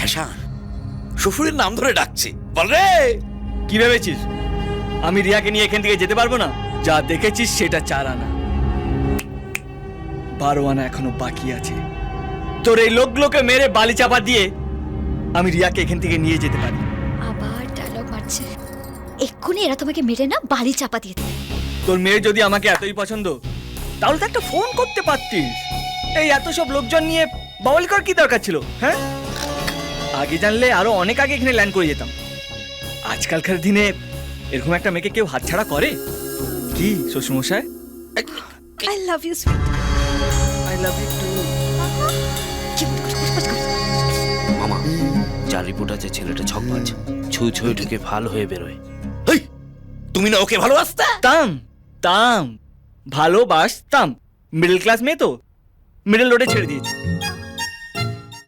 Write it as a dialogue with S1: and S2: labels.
S1: Fashion, শ্বশুরের নাম ধরে ডাকছে, বল রে।
S2: কি ভেবেছিস আমি রিয়াকে নিয়ে এখান থেকে যেতে পারবো না? যা দেখেছিস সেটা 4 আনা, 12 আনা এখনো বাকি আছে। তোর এই লোকগুলোকে মেরে বালি চাপা দিয়ে আমি রিয়াকে এখান থেকে নিয়ে যেতে পারি।
S3: আবার ডায়লগ মারছে। এক্ষুনি এরা তোমাকে মেরে না বালি চাপা দিয়ে দেবে।
S2: তোর মেয়ে যদি আমাকে এতই পছন্দ তাহলে তো একটা ফোন করতে পারতিস। এই এত সব লোকজন নিয়ে বাউল কর কি দরকার ছিল? হ্যাঁ, আগে জানলে আরো অনেক আগে এখানে ল্যান্ড করে যেতাম। আজকালকার দিনে এরকম একটা মেয়েকে কেউ হাতছাড়া করে? কি শ্বশুরমশাই?
S3: I love you sweet.
S2: I love you too.
S1: মামা, যার রিপোর্ট আছে ছেলেটা ছকবাজ, ছুঁই ছুঁই ঢুকে ভালো হয়ে বেরোয়। হেই, তুমি না ওকে ভালোবাসতা?
S2: তাম ভালোবাসতাম। মিডল ক্লাস মেয়ে তো মিডল রোডে ছেড়ে দিয়েছি।